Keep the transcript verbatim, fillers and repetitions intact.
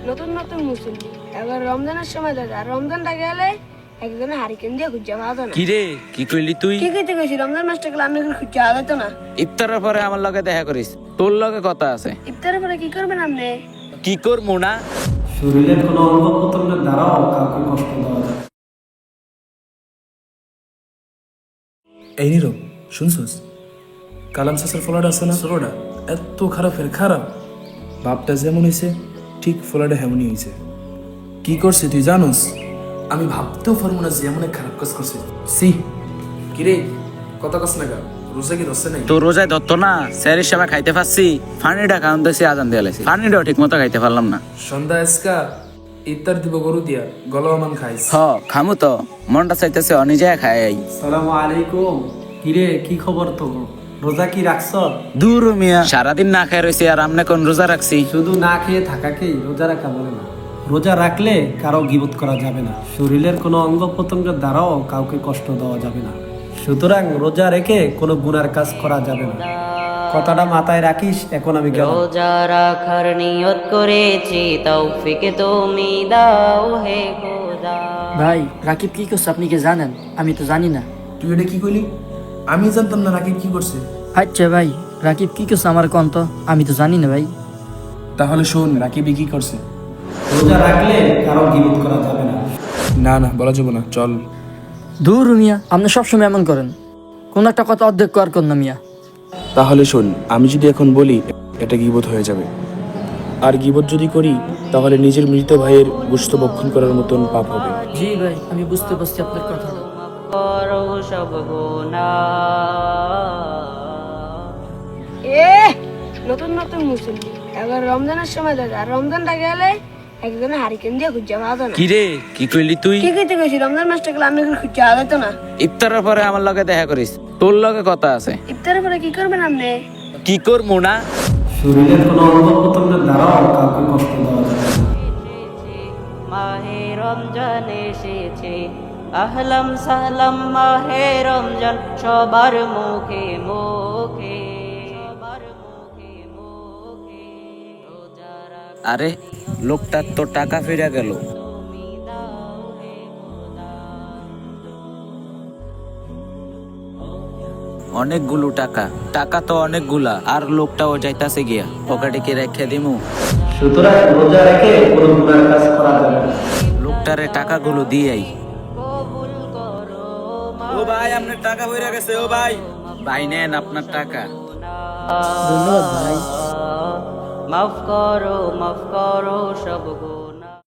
নতুন নতুন মুসল্লি এবার রমজানের সময় দাদা রমজানটা গেলে একজনে হারিকেন দিয়ে খুঁজে পাওয়া যেত না। কি রে কি কইলি তুই? কি কইতে গেছি রমজান মাসটা গেলে আপনি খুঁজে পাওয়া যেত না। ইফতারের পরে আমার লগে দেখা করিস, তোর লগে কথা আছে। ইফতারের পরে কি করবেন আপনি? কি করবো না? শরীরের কোনো অঙ্গ প্রত্যঙ্গের দ্বারাও কাউকে কষ্ট দেওয়া যায়। এই নীরব, শুনছস? কালাম চাষের ফলাটা আছে না, ষোলোটা এত খারাপের খারাপ। বাপটা যেমন হয়েছে ঠিক ফলাটা হেমনই হয়েছে। কি করছে তুই জানোস? আমি ভাবতেও পারবো না যে এমন এক খারাপ কাজ করছে। সি কিরে কথা কাজ না গা, রোজা কি ধরছে নাই? তো রোজায় ধরতো না, স্যারের সময় খাইতে পারছি, ফানিটা খাওয়ান দিয়েছি, আজান দিয়ে লাইছি, ফানিটাও ঠিক মতো খাইতে পারলাম না। সন্ধ্যা আজকা ইফতার দিব গরু দিয়া, গলমান খাইস। হ খামু তো, মনটা চাইতেছে অনিজে খাই আই। সালামু আলাইকুম। কিরে কি খবর তো? রোজা কি রাখছ? দূর মিয়া, সারাদিন না খাই রয়েছি আর আমনে কোন রোজা রাখছি? শুধু না খেয়ে থাকাকেই রোজা রাখা বলে না। রোজা রাখলে কারো গীবত করা যাবে না, শরীরের কোনো অঙ্গ প্রত্যঙ্গের দ্বারাও কাউকে কষ্ট দেওয়া যাবে না। সুতরাং রোজা রেখে কোনো গুনার কাজ করা যাবে না। কথাটা মাথায় রাখিস। এখন আমি গেলাম। রোজা রাখার নিয়ত করেছি, তৌফিক তুমি দাও হে খোদা। ভাই রাকিব কি করছে আপনি কি জানেন? আমি তো জানি না। তুই এটা কি কইলি? আমি জানতাম না রাকিব কি করছে। আচ্ছা ভাই রাকিব কি করছে আমার কন্ত? আমি তো জানি না ভাই। তাহলে শোন রাকিবই কি করছে। রোজা রাখলে কারো গীবত করা যাবে না। না না বলা যাবে না, চল। দূর মিয়া, আপনি সবসময় এমন করেন, কোন একটা কথা অর্ধেক কর কর না মিয়া। তাহলে শোন, আমি যদি এখন বলি এটা গীবত হয়ে যাবে, আর গীবত যদি করি তাহলে নিজের মৃত ভাইয়ের গোশত ভক্ষণ করার মতন পাপ হবে। জি ভাই আমি বুঝতে পারছি আপনার কথাটা। করো সব গুনাহ। এ নতুন নতুন মুসল্লি এবার রমজানের সময় দাদা রমজানটা গেলে একজনে হারিকেন দিয়ে খুঁজে পাওয়া যেত না। কি রে কি কইলি তুই? কি কইতে গেছি রমজান মাসটা গেলে আপনি খুঁজে পাওয়া যেত না। ইফতারের পরে আমার লগে দেখা করিস, তোর লগে কথা আছে। ইফতারের পরে কি করবেন আপনি? কি করবো না? শরীরের কোনো অঙ্গ প্রত্যঙ্গের দ্বারাও কাউকে কষ্ট দেওয়া যাবে না। মাহে রমজান এসেছে, আহলাম সাহলাম মাহে রমজান সবার মুখে মুখে, সবার মুখে মুখে। রোজা রাখ আরে লোকটার তো টাকা ফিরে গেল। তুমি দাও হে খোদা। অনেকগুলো টাকা, টাকা তো অনেকগুলা, আর লোকটাও যাইতাছে গিয়া, পকেটে কি রেখে দিমু? সুতরাং রোজা রেখে কোনো গুনার কাজ করা যাবে না। লোকটারে টাকাগুলো দিয়াই। কবুল করো ও ভাই আপনার টাকা ফিরে গেছে। ও ভাই, ভাই নেন আপনার টাকা। ধন্যবাদ ভাই। মাফ করো মাফ করো সব গুনাহ।